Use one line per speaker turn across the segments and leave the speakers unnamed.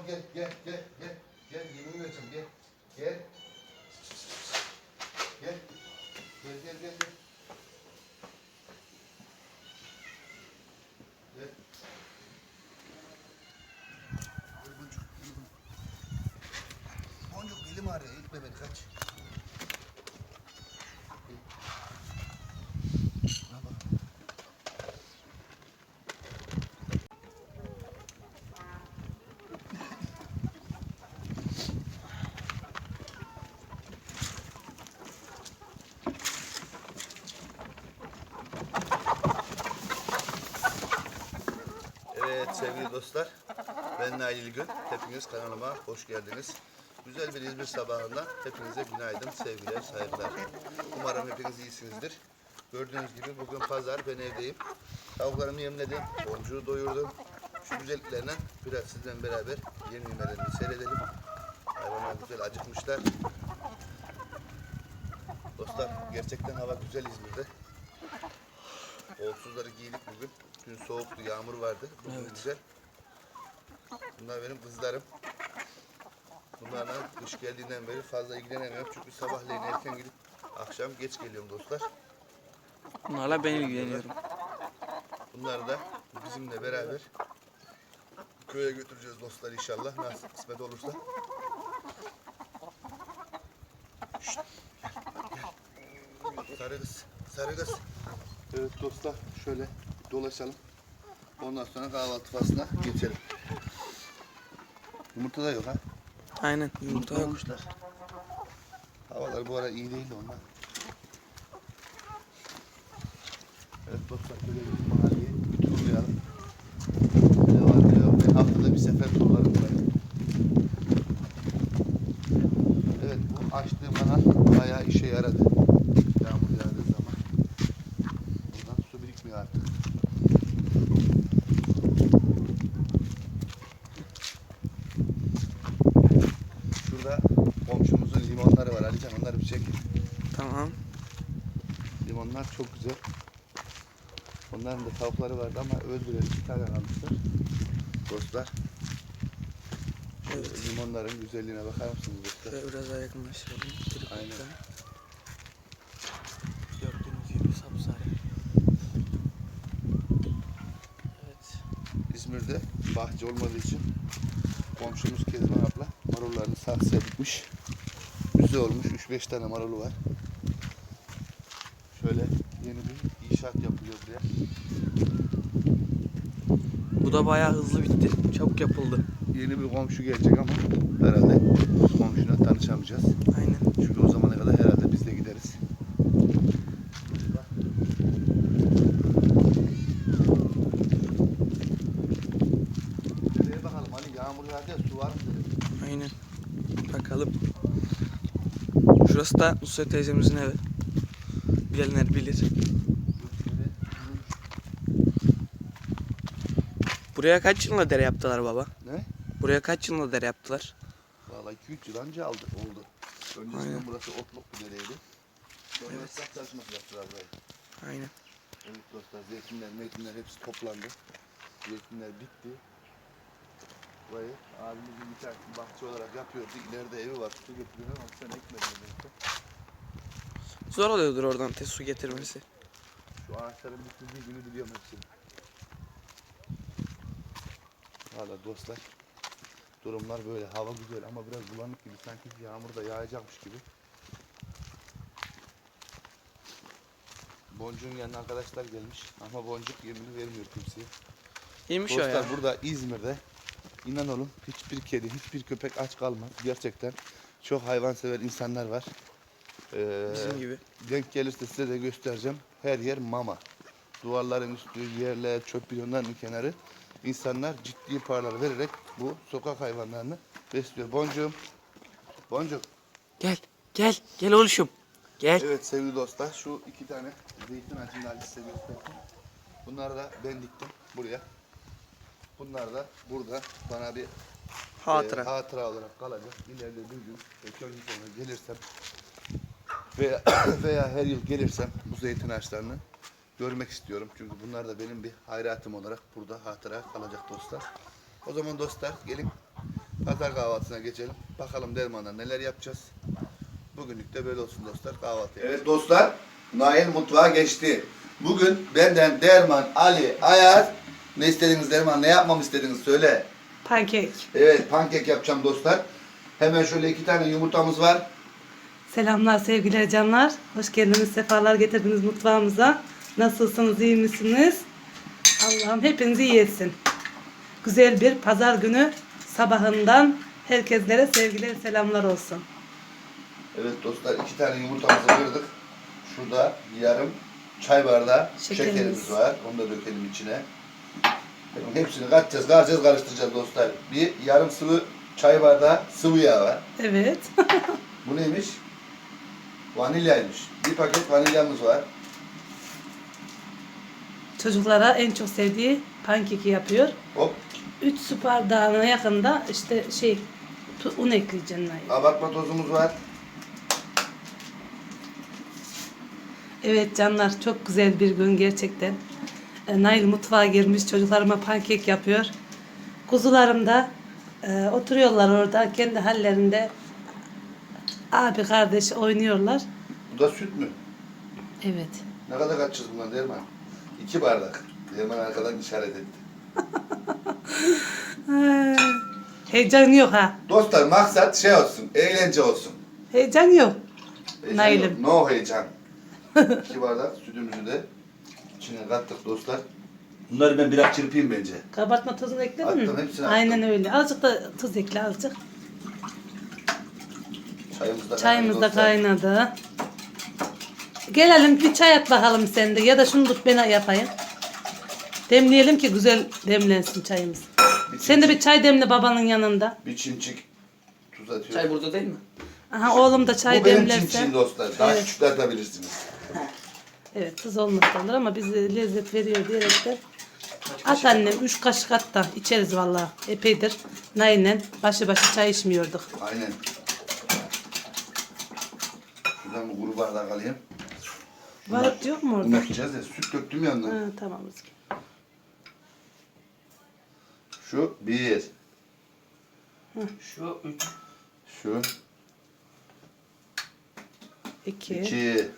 gel gel gel gel. Gel yemin vereceğim gel. Gel. Gel. Gel gel gel gel. Gel. Boncuk, Boncuk elim ağrıyor. İtme beni kaç. Evet sevgili dostlar, ben Nail İlgün. Hepiniz kanalıma hoş geldiniz. Güzel bir İzmir sabahından hepinize günaydın, sevgiler, saygılar. Umarım hepiniz iyisinizdir. Gördüğünüz gibi bugün pazar, ben evdeyim. Tavuklarımı yemledim, boncuğu doyurdum. Şu güzelliklerle biraz sizden beraber yem yemelerini seyredelim. Hayvanlar güzel acıkmışlar. Dostlar gerçekten hava güzel İzmir'de. Kolsuzları giydik bugün. Dün soğuktu, yağmur vardı. Bugün evet. Güzel. Bunlar benim kızlarım. Bunlarla kış geldiğinden beri fazla ilgilenemiyorum. Çünkü sabahleyin erken gidip akşam geç geliyorum dostlar.
Bunlarla ben ilgileniyorum.
Bunları da bizimle beraber köye götüreceğiz dostlar inşallah. Nasıl kısmet olursa. Şşt. Sarı kız, sarı kız. Evet dostlar şöyle dolaşalım. Ondan sonra kahvaltı faslına geçelim. Yumurta da yok ha.
Aynen yumurta yok.
Olmuşlar. Havalar bu ara iyi değil de ondan. Evet dostlar böyle bir mahalleyi bir turlayalım. Ne var ne yok. Ben haftada bir sefer turlarım burayı. Evet bu açtığım kanal bayağı işe yaradı. Yağmur yağdığı zaman. Buradan su birikmiyor artık. Şurada komşumuzun limonları var Alican, onları bir çek.
Tamam.
Limonlar çok güzel. Onların da tavukları vardı ama öldüler. 2 tane kalmışlar. Dostlar.
Evet.
Limonların güzelliğine bakar mısınız dostlar?
Şöyle biraz daha yakınlaştıralım.
Aynen.
Gördüğünüz gibi sapsarı. Evet.
İzmir'de bahçe olmadığı için komşumuz Kezban abla marullarını saksıya dikmiş. Güzel olmuş. 3-5 tane marulu var. Şöyle yeni bir inşaat yapılıyor buraya.
Bu da bayağı hızlı bitti. Çabuk yapıldı.
Yeni bir komşu gelecek ama herhalde komşuyla tanışamayacağız.
Aynen.
Çünkü o zamana kadar herhalde biz de gideriz. Nereye bakalım hani yağmur yağdı ya, su var mı dedim.
Aynen. Bakalım. Şurası da Nusret teyzemizin evi. Bilenler bilir. Buraya kaç yılında dere yaptılar baba?
Ne?
Buraya kaç yılında dere yaptılar?
Vallahi 2-3 yıl önce oldu. Öncesinde
Aynen.
burası otluk bir dereydi. Sonra
Evet.
ıslak çalışması yaptılar burayı.
Aynen.
Evet dostlar, zeytinler hepsi toplandı. Zeytinler bitti. Burayı abimizin bir tane bahçe olarak yapıyordu. İleride evi var. Su getiriyor ama sen ekmedin demek.
Zor oluyordur oradan su getirmesi.
Şu ağaçların bitirdiği günü biliyorum hepsini. Valla dostlar, durumlar böyle. Hava güzel ama biraz bulanık gibi. Sanki yağmur da yağacakmış gibi. Boncuğun yanına arkadaşlar gelmiş. Ama boncuk yemini vermiyor kimseye.
İyiymiş o
Dostlar
ya.
burada İzmir'de inan olun hiçbir kedi, hiçbir köpek aç kalmaz. Gerçekten çok hayvansever insanlar var.
Bizim gibi.
Denk gelirse size de göstereceğim. Her yer mama. Duvarların üstü, yerler, çöp bidonlarının kenarı. İnsanlar ciddi paralar vererek bu sokak hayvanlarını besliyor. Boncuğum. Boncuk.
Gel. Gel. Gel oluşum. Gel.
Evet sevgili dostlar, şu 2 tane zeytin ağacını da size gösterdim. Bunları da ben diktim buraya. Bunlar da burada bana bir hatıra olarak kalacak. İleride bir gün köy sonra gelirsem veya her yıl gelirsem bu zeytin ağaçlarını görmek istiyorum. Çünkü bunlar da benim bir hayratım olarak burada hatıra kalacak dostlar. O zaman dostlar gelin Pazar kahvaltısına geçelim. Bakalım Derman'da neler yapacağız. Bugünlük de böyle olsun dostlar, kahvaltı. Evet dostlar, Nail mutfağa geçti. Bugün benden Derman, Ali, Ayaz, ne istediniz Derman, ne yapmamı istediniz söyle.
Pankek.
Evet, pankek yapacağım dostlar. Hemen şöyle 2 tane yumurtamız var.
Selamlar sevgili canlar. Hoş geldiniz, sefalar getirdiniz mutfağımıza. Nasılsınız, iyi misiniz? Allah'ım hepinizi iyi etsin. Güzel bir pazar günü sabahından herkeslere sevgiler, selamlar olsun.
Evet dostlar, 2 tane yumurtamızı kırdık. Şurada yarım çay bardağı şekerimiz var. Onu da dökelim içine. Hepsini katacağız, karıştıracağız dostlar. Bir yarım sıvı çay bardağı sıvı yağ var.
Evet.
Bu neymiş? Vanilyaymış. Bir paket vanilyamız var.
Çocuklara en çok sevdiği pankeki yapıyor.
Hop.
3 su bardağına yakında işte un ekleyeceksin.
Abartma tozumuz var.
Evet canlar, çok güzel bir gün gerçekten. Nail mutfağa girmiş, çocuklarıma pankek yapıyor. Kuzularım da oturuyorlar orada kendi hallerinde. Abi kardeş oynuyorlar.
Bu da süt mü?
Evet.
Ne kadar kaçacağız bundan Derman? 2 bardak. Derman arkadan işaret etti.
Heyecan yok ha.
Dostlar maksat şey olsun, eğlence olsun.
Heyecan yok.
Heyecan
Nail'im.
yok, no heyecan. 2 bardak sütümüzü de içine kattık dostlar. Bunları ben biraz çırpayım bence.
Kabartma tozunu ekledin mi?
Attım, hepsini attım.
Aynen öyle. Azıcık da tuz ekle azıcık.
Çayımız da
Kaynadı. Gelelim bir çay at bakalım sen de. Ya da şunu tut ben yapayım. Demleyelim ki güzel demlensin çayımız. Sen de bir çay demle babanın yanında.
Bir çimçik tuz atıyorum.
Çay burada değil mi?
Aha oğlum da çay
Bu benim
demlerse.
çimçiğim dostlar. Daha
Evet.
küçükler atabilirsiniz.
Evet tuz olmasa olur ama bize lezzet veriyor diyerek de. At annem 3 kaşık at da içeriz vallahi. Epeydir. Nail'le başı çay içmiyorduk.
Aynen. Şuradan bu kuru bardak alayım.
Var yok mu orada?
Bunu yapacağız ya. Süt döktüm yanına.
Ha, tamam.
Şu 1.
Şu 3.
Şu
2.
2.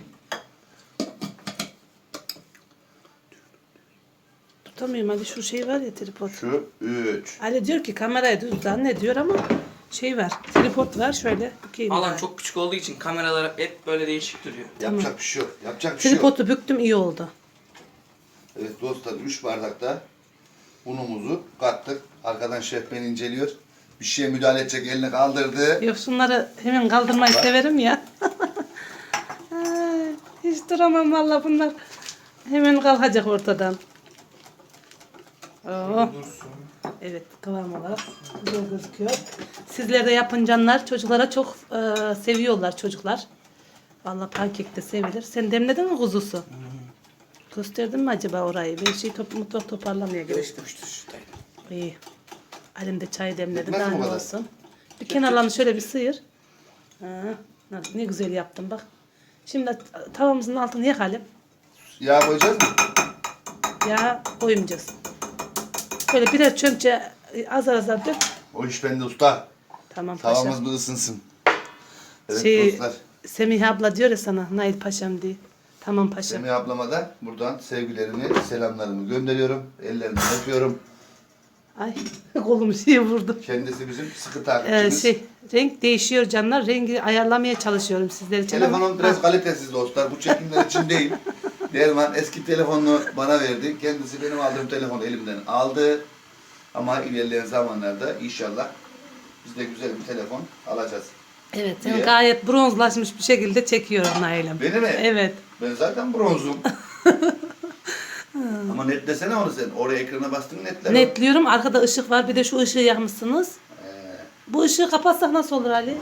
Tutamıyorum hadi şu şey var ya tripod.
Şu 3.
Ali diyor ki kamerayı düz zannediyor ama şey var. Tripod var şöyle. Bükeyim
Alan
bari.
çok küçük olduğu için kameralar hep böyle değişik duruyor.
Yapacak bir şey yok. Yapacak bir şey yok.
Tripodu büktüm iyi oldu.
Evet dostlar 3 bardakta unumuzu kattık. Arkadan şef beni inceliyor. Bir şeye müdahale edecek elini kaldırdı.
Yok şunları hemen kaldırmayı severim ya. Ay, hiç duramam valla bunlar. Hemen kalkacak ortadan. Oo. Evet kıvam olarak güzel gözüküyor. Sizler de yapın canlar. Çocuklara çok seviyorlar çocuklar. Valla pankek de sevilir. Sen demledin mi kuzusu? Gösterdin mi acaba orayı? Ben mutfak toparlamaya gerek.
Geçmiştir şuradaydı.
İyi. Elimde çay demledim.
Yetmez
Daha
mi bu
ne
kadar?
olsun. Bir kenarlarını şöyle bir sıyır. Ha, ne güzel yaptım bak. Şimdi tavamızın altını yakalım.
Yağ koyacağız mı?
Ya koymayacağız. Böyle birer çömçe azar azar dök.
O iş bende usta.
Tamam paşam.
Tavamız bir ısınsın. Evet
Şey,
dostlar.
Semih abla diyor ya sana Nail paşam diye. Tamam paşam.
Semih ablama da buradan sevgilerimi, selamlarımı gönderiyorum. Ellerinden öpüyorum.
Ay kolum şeye vurdu.
Kendisi bizim sıkı takipçimiz.
Renk değişiyor canlar. Rengi ayarlamaya çalışıyorum sizler için.
Telefonum
ama-
biraz kalitesiz dostlar. Bu çekimler için değil. Derman eski telefonunu bana verdi. Kendisi benim aldığım telefonu elimden aldı. Ama ilerleyen zamanlarda inşallah biz de güzel bir telefon alacağız.
Evet,
Niye?
sen gayet bronzlaşmış bir şekilde çekiyorum Nail'im.
Beni mi?
Evet.
Ben zaten bronzum. Ama netlesene onu sen. Oraya ekrana bastın netler. o.
Netliyorum. Arkada ışık var. Bir de şu ışığı yakmışsınız.
Ee,
Bu ışığı kapatsak nasıl olur Ali?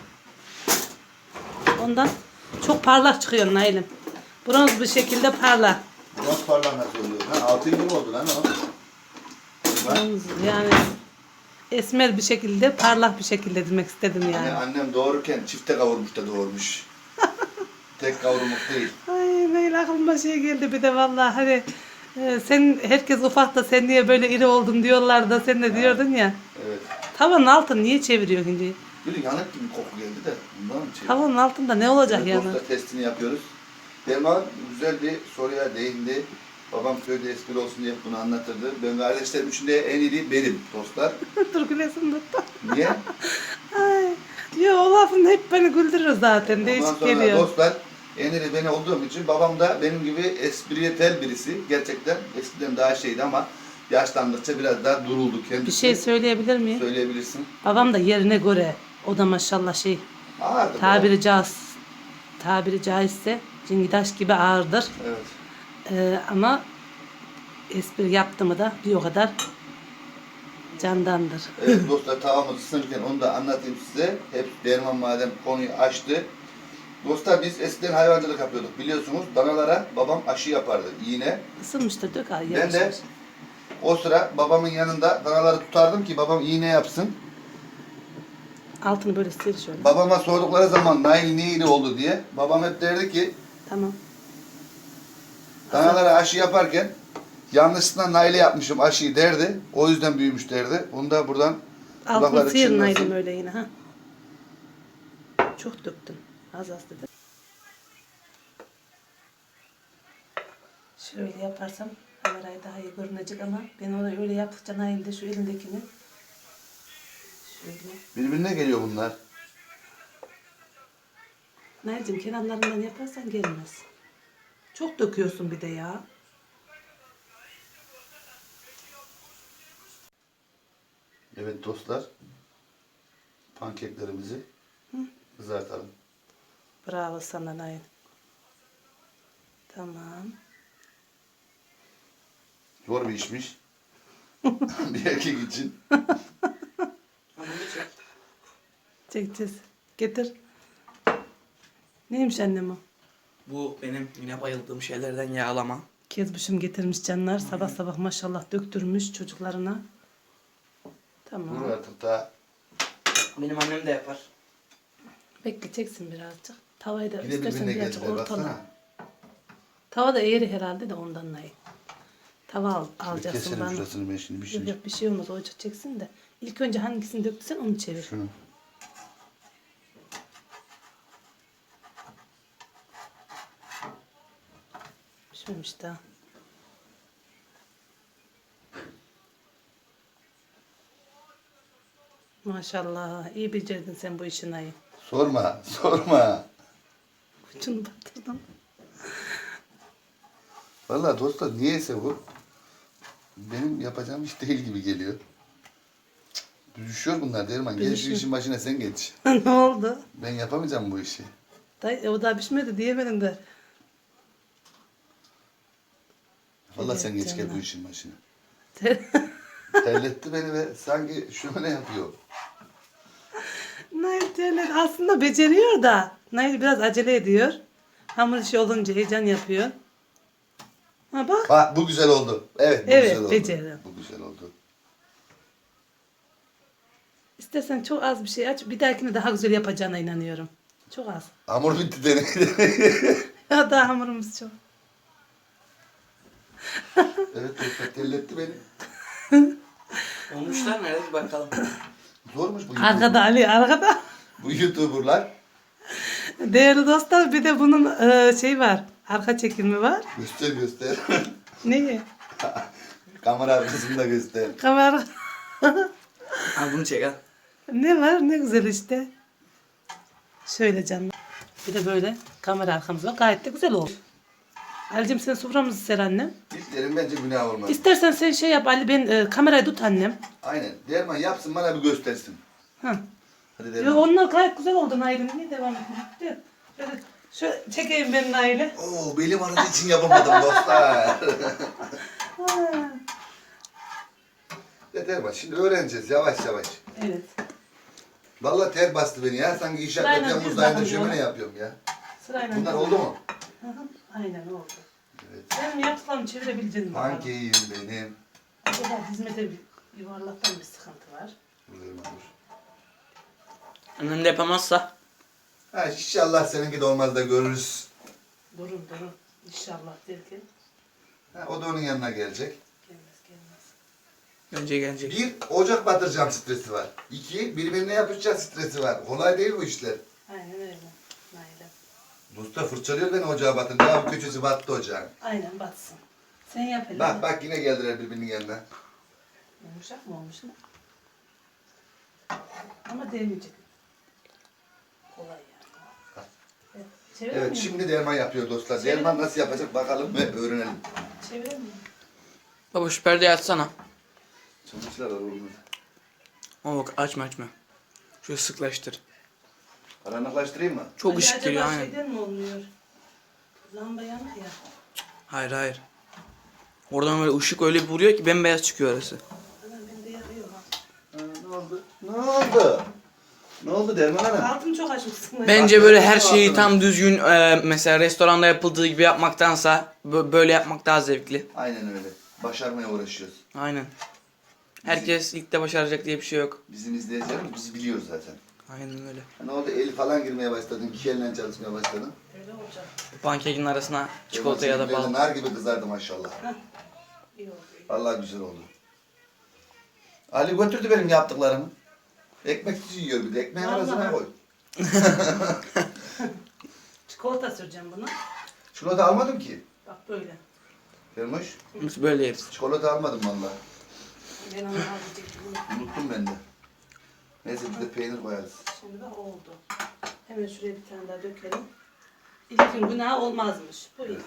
Ondan çok parlak çıkıyor Nail'im. Bronz bir şekilde parlak.
Bronz parlak nasıl oluyor? Ha, altın gibi oldu lan o. Bak,
Bronz yani esmer bir şekilde, parlak bir şekilde demek istedim yani.
annem doğururken çifte kavurmuş da doğurmuş. Tek kavurmak değil.
Ay Nail aklıma şey geldi bir de vallahi hani sen herkes ufak da sen niye böyle iri oldun diyorlar da sen de diyordun ya.
Evet.
Tavanın altını niye çeviriyorsun şimdi?
Bir yanık gibi koku geldi de bundan mı çevirdim?
Tavanın altında ne olacak
Evet,
yani?
dostlar testini yapıyoruz. Derman güzel bir soruya değindi. Babam köyde espri olsun diye bunu anlatırdı. Ben kardeşlerim içinde en iyi benim dostlar.
Dur gülesim tuttu.
Niye?
Ay. Yo o lafın hep beni güldürür zaten.
Ondan
Değişik
sonra
geliyor.
dostlar en iyi beni olduğum için babam da benim gibi espriyetel birisi. Gerçekten eskiden daha şeydi ama yaşlandıkça biraz daha duruldu kendisi.
Bir şey söyleyebilir miyim?
Söyleyebilirsin.
Babam da yerine göre. O da maşallah şey.
Ağırdı.
Tabiri caizse cingidaş gibi ağırdır.
Evet.
Ama espri yaptı mı da bir o kadar candandır.
Evet dostlar tavamız ısınırken onu da anlatayım size. Hep Derman madem konuyu açtı. Dostlar biz eskiden hayvancılık yapıyorduk biliyorsunuz. Danalara babam aşı yapardı iğne.
Isınmıştır dök al.
Ben de o sıra babamın yanında danaları tutardım ki babam iğne yapsın.
Altını böyle sil şöyle.
Babama sordukları zaman Nail niye iyi oldu diye. Babam hep derdi ki
Tamam.
danalara aşı yaparken yanlışlıkla Nail'e yapmışım aşıyı derdi. O yüzden büyümüş derdi. Onu da buradan
Altını
kulakları
sıyırın
çınlasın.
öyle yine ha. Çok döktün. Az az dedim. Şöyle yaparsam kamerayı daha iyi görünecek ama ben onu öyle yaptıkça Nail de şu elindekini şöyle.
Birbirine geliyor bunlar.
Nail'cim kenarlarından yaparsan gelmez. Çok döküyorsun bir de ya.
Evet dostlar. Pankeklerimizi kızartalım.
Bravo sana Nail. Tamam.
Zor bir işmiş. Bir erkek için.
Çekeceğiz. Getir. Neymiş annem o?
Bu benim yine bayıldığım şeylerden yağlama.
Kezbuşum getirmiş canlar. Sabah sabah maşallah döktürmüş çocuklarına. Tamam.
Dur artık daha.
Benim annem de yapar.
Bekleyeceksin birazcık. Tavayı da
Bir de
istersen
birbirine
birazcık
geldiler
ortala.
baksana.
Tava da eğri herhalde de ondan Nail. Tava
Şöyle
alacaksın
keselim
bana.
şurasını ben şimdi bir şey.
Yok yok bir şey olmaz. Ocak çeksin de. İlk önce hangisini döktüysen onu çevir.
Şunu.
Pişmemiş daha. Maşallah. iyi becerdin sen bu işi Nail.
Sorma, sorma.
Ucunu batırdım.
Vallahi dostlar niyeyse bu benim yapacağım iş değil gibi geliyor. Düşüyor bunlar Derman. Gel şu
Düşüyor.
işin başına sen geç.
Ne oldu?
Ben yapamayacağım bu işi.
O daha pişmedi diyemedim de.
Vallahi
Evet
sen geç gel
canım.
bu işin başına. Terletti beni ve sanki şöyle yapıyor.
Nail terler aslında beceriyor da. Nail biraz acele ediyor. Hamur işi olunca heyecan yapıyor. Ha bak.
Bak bu güzel oldu. Evet bu
Evet,
güzel oldu.
beceriyorum.
Bu güzel oldu.
İstersen çok az bir şey aç. Bir dahakine daha güzel yapacağına inanıyorum. Çok az.
Hamur bitti dene.
Ya daha hamurumuz çok.
Evet dostlar terletti beni.
Olmuşlar nerede bir bakalım.
Zormuş bu
Arkada Ali arkada.
Bu YouTuber'lar.
Değerli dostlar bir de bunun şey var. Arka çekimi var.
Göster göster.
Neyi?
Kamera arkasını da göster.
Kamera.
Al bunu çek al.
Ne var? Ne güzel işte. Şöyle canım. Bir de böyle kamera arkamız var. Gayet de güzel oldu. Ali'cim sen soframızı ser annem.
İşlerin bence günah olmaz.
İstersen sen şey yap Ali ben kamerayı tut annem.
Aynen. Derman yapsın bana bir göstersin.
Ha.
Hadi
Yo,
Derman.
onlar gayet güzel oldu Nail'im. Niye devam etmiyor? Şöyle çekeyim ben Nail'i.
Oo belim ağrıdığı için yapamadım dostlar.
Ha.
Ya Derman şimdi öğreneceğiz yavaş yavaş.
Evet.
Vallahi ter bastı beni ya. Sanki inşaat
Sırayla
Temmuz
düz
ayında
bakın
şömine
yola.
yapıyorum ya.
Sırayla.
Bunlar oldu mu?
Hı hı, aynen oldu.
Evet.
Sen yaptıklarını çevirebileceksin bakalım.
Pankeğim benim.
Acaba dizmede bir yuvarlaktan bir sıkıntı var.
Dur Derman dur.
Annem de yapamazsa.
Ha, inşallah seninki de olmaz da görürüz.
Durun İnşallah derken.
Ha, o da onun yanına gelecek.
Gelmez.
Önce gelecek.
Bir, ocak batıracağım stresi var. İki, birbirine yapışacak stresi var. Kolay değil bu işler.
Aynen öyle. Aynen.
Usta fırçalıyor beni ocağa batınca. Abi köşesi battı ocağın.
Aynen batsın. Sen yap hele.
Bak yine geldiler birbirinin yanına.
Yumuşak mı olmuş ne? Ama değmeyecek. Kolay yani. Evet. Çevirelim
Evet
mi?
şimdi derman yapıyor dostlar. Derman nasıl yapacak bakalım ve öğrenelim.
Çevirelim mi?
Baba şu perdeyi açsana.
Çamaşırlar var oğlum.
Ama bak açma. Şöyle sıklaştır.
Karanlıklaştırayım mı?
Çok
Hadi
ışık geliyor
acaba
aynen.
şeyden mi olmuyor? Lamba yanık ya.
Hayır. Oradan böyle ışık öyle bir vuruyor ki bembeyaz çıkıyor arası.
Hemen bende yakıyor ha.
Ne oldu? Ne oldu? Ne oldu Derman Hanım?
Altını çok açmışsın.
Bence böyle her şeyi tam düzgün mesela restoranda yapıldığı gibi yapmaktansa böyle yapmak daha zevkli.
Aynen öyle. Başarmaya uğraşıyoruz.
Aynen. Herkes ilk de başaracak diye bir şey yok.
Bizim izleyicilerimiz bizi biliyor zaten.
Aynen öyle.
Ne oldu? El falan girmeye başladın. İki elle çalışmaya başladın.
Öyle olacak.
Pankekin arasına çikolata ya da bal.
Nar gibi kızardı maşallah.
İyi oldu.
Vallahi güzel oldu. Ali götürdü benim yaptıklarımı. Ekmek yiyor bir de. Ekmeğin
Vallahi.
arasına koy.
Çikolata süreceğim bunu.
Çikolata almadım ki.
Bak böyle.
Vermiş.
Biz böyle yeriz.
Çikolata almadım vallahi.
Ben onu alacaktım.
Unuttum ben de. Neyse bir de peynir koyarız.
Şimdi bak oldu. Hemen şuraya bir tane daha dökelim. İlkin günahı olmazmış. Bu iyi.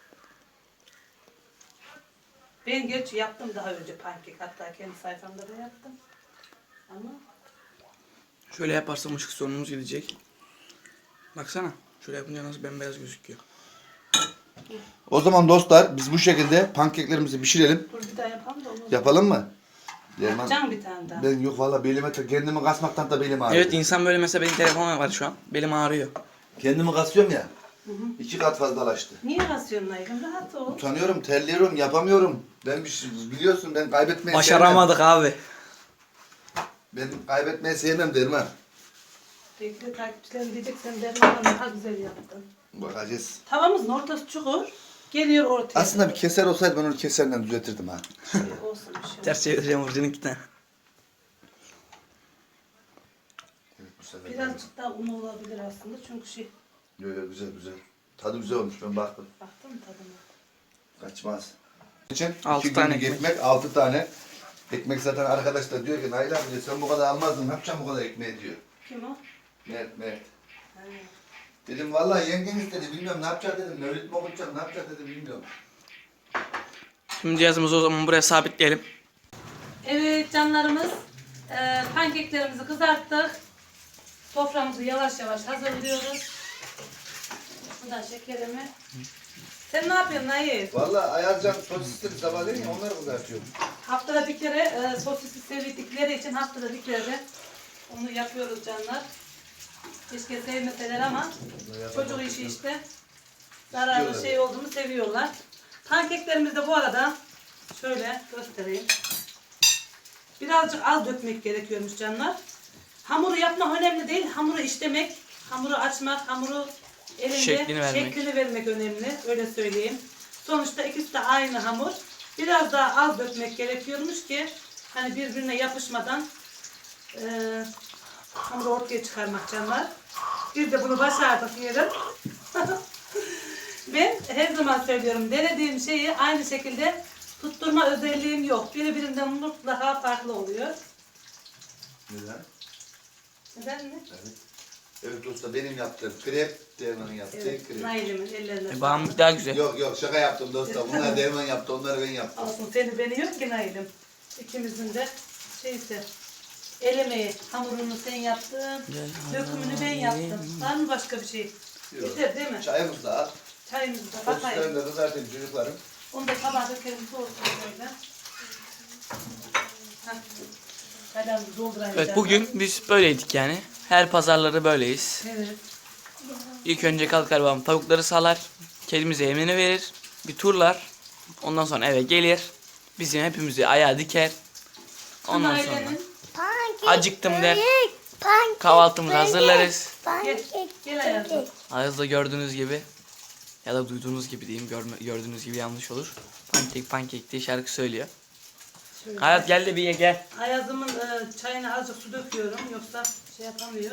Ben gerçi yaptım daha önce pankek. Hatta kendi sayfamda da yaptım. Ama
Şöyle yaparsam ışık sorunumuz gidecek. Baksana. Şöyle yapınca nasıl bembeyaz gözüküyor.
O zaman dostlar biz bu şekilde pankeklerimizi pişirelim.
dur bir daha yapalım da onu.
Yapalım mı? Derman.
Yapacağım bir tane daha.
Ben yok valla belime kendimi kasmaktan da belim ağrıyor.
Evet insan böyle mesela benim telefonum var şu an. Belim ağrıyor.
Kendimi kasıyorum ya. 2 kat fazlalaştı.
Niye basıyorsun Aygın? Rahat ol.
Utanıyorum, terliyorum, yapamıyorum. Ben bir şey, biliyorsun ben kaybetmeyi
Başaramadık abi.
sevmem. Ben kaybetmeyi sevmem Derman.
Belki de takipçilerim diyecek sen Derman'dan daha güzel yaptın.
Bakacağız.
Tavamızın ortası çukur. Geliyor ortaya.
Aslında bir keser olsaydı ben onu keserle düzeltirdim ha.
Olsun bir şey.
Ters çevireceğim Burcu'nun iki tane.
Evet, bu sefer
Birazcık daha un olabilir aslında çünkü
güzel. Tadı güzel olmuş ben baktım.
baktın mı tadına?
Kaçmaz. İçin
6
2
tane
günlük
ekmek.
ekmek, 6 tane. Ekmek zaten arkadaşlar diyor ki Nail abi diyor, sen bu kadar almazdın ne yapacaksın bu kadar ekmeği diyor.
Kim o?
Mert.
Ha.
Dedim vallahi yengen istedi bilmiyorum ne yapacak dedim. Mevlüt mü okutacak ne yapacak dedim bilmiyorum.
Şimdi cihazımızı o zaman buraya sabitleyelim.
Evet canlarımız pankeklerimizi kızarttık. Soframızı yavaş yavaş hazırlıyoruz. Bu da şekerimi. Sen ne yapıyorsun Nail?
Vallahi Ayazcan sosisleri sabahleyin ya onları kızartıyorum.
Haftada bir kere sosisi sevdikleri için haftada bir kere de onu yapıyoruz canlar. Keşke sevmeseler ama çocuk işi işte. Zararlı şey olduğunu seviyorlar. Pankeklerimizi de bu arada şöyle göstereyim. Birazcık az dökmek gerekiyormuş canlar. Hamuru yapmak önemli değil. Hamuru işlemek, hamuru açmak, hamuru elinde
Şeklini
vermek önemli. Öyle söyleyeyim. Sonuçta ikisi de aynı hamur. Biraz daha az dökmek gerekiyormuş ki hani birbirine yapışmadan hamuru ortaya çıkarmak canlar. Biz de bunu başardık diyelim. Ben her zaman söylüyorum denediğim şeyi aynı şekilde tutturma özelliğim yok. Birinden mutlaka farklı oluyor.
Neden?
Neden mi?
Evet. Evet usta benim yaptığım krep, Derman'ın yaptığı
Evet,
krep.
Nail'imin ellerine.
Bağımlık daha güzel.
Yok şaka yaptım dostum. Bunlar Derman yaptı, onları ben yaptım.
Olsun seni beni yok ki Nail'im. İkimizin de şeyse el emeği, hamurunu sen yaptın, dökümünü ben yaptım. Var mı başka bir şey?
Yok.
Yeter değil mi?
Çayımız da al.
Çayımızı da bakayım.
Sosislerini de kızartayım çocuklarım.
Onu da tabağa dökelim soğusun böyle. Kadar doldurayım.
Evet bugün biz böyleydik yani. Her pazarları böyleyiz.
Evet.
İlk önce kalkar babam tavukları salar. Kedimize yemini verir. Bir turlar. Ondan sonra eve gelir. Bizim hepimizi ayağa diker. Ondan sonra
Ailenin
acıktım der. Kahvaltımızı hazırlarız.
gel hayatım.
Ağızda gördüğünüz gibi ya da duyduğunuz gibi diyeyim. Gördüğünüz gibi yanlış olur. Pankek diye şarkı söylüyor.
Şöyle.
Hayat gel de bir ye gel.
Ayazımın çayına azıcık su döküyorum. Yoksa şey yapamıyor.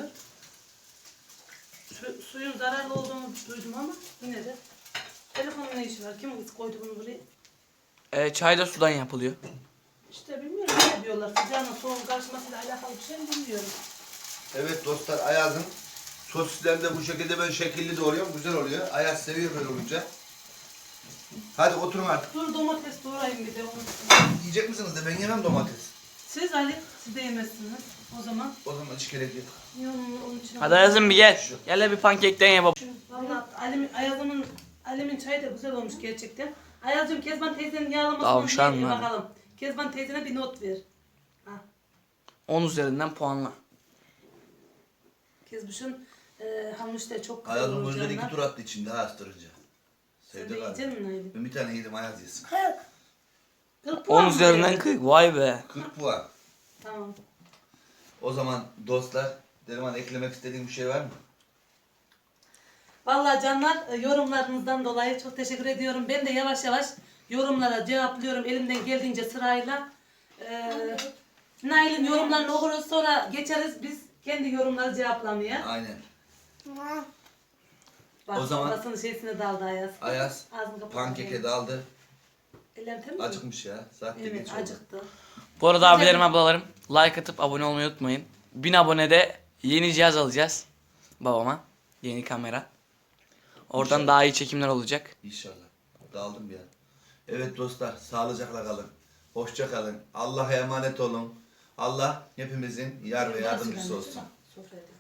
Suyun zararlı olduğunu duydum ama yine de. Telefonun ne işi var? Kim koydu bunu buraya?
Çay da sudan yapılıyor.
İşte bilmiyorum ne diyorlar. Sıcağın soğuk karışmasıyla alakalı bir şey mi bilmiyorum.
Evet dostlar, Ayaz'ın sosislerini de bu şekilde ben şekilli doğruyorum. Güzel oluyor. Ayaz seviyor böyle olunca. Hadi oturun artık.
Dur domates doğrayayım bir de.
Yiyecek misiniz de ben yemem domates.
Siz Ali, siz de yemezsiniz. O zaman.
O zaman hiç gerek yok.
Onun için.
Hadi Ayaz'ım bir gel. Gel de bir pankekten ye baba.
Valla Ayaz'ımın çayı da güzel olmuş gerçekten. Ayaz'cığım Kezban teyzenin yağlamasını
Tavşan
bir
mı?
bakalım. Kezban teyzene bir not ver. Ha.
10 üzerinden puanla.
Kezbuş'un hamur da çok güzel
Ayaz'ın
olur
gözleri
canlar.
2 tur attı içinde astırınca.
Sen de
Sevdi galiba.
yiyecek misin Aylin?
Ben bir tane yedim, Ayaz yesin.
40 puan
10
mı
üzerinden
verdin?
40. Vay be.
40 puan.
Tamam.
O zaman dostlar, Derman eklemek istediğin bir şey var mı?
Vallahi canlar yorumlarınızdan dolayı çok teşekkür ediyorum. Ben de yavaş yavaş yorumlara cevaplıyorum elimden geldiğince sırayla. Nail'in yorumlarını okuruz sonra geçeriz biz kendi yorumları cevaplamaya.
Aynen.
Bak,
O zaman-
babasının şeysine daldı Ayaz.
Ayaz
Ağzını kapat.
pankeke daldı.
Ellerim temiz mi?
Acıkmış ya. Saat de
Evet
geç oldu.
acıktı.
Bu arada abilerim ablalarım like atıp abone olmayı unutmayın. 1000 abonede yeni cihaz alacağız babama. Yeni kamera. Oradan daha iyi çekimler olacak.
İnşallah. Daldım ya. Evet dostlar, sağlıcakla kalın. Hoşça kalın. Allah'a emanet olun. Allah hepimizin yar ve yardımcısı olsun.
Sofraya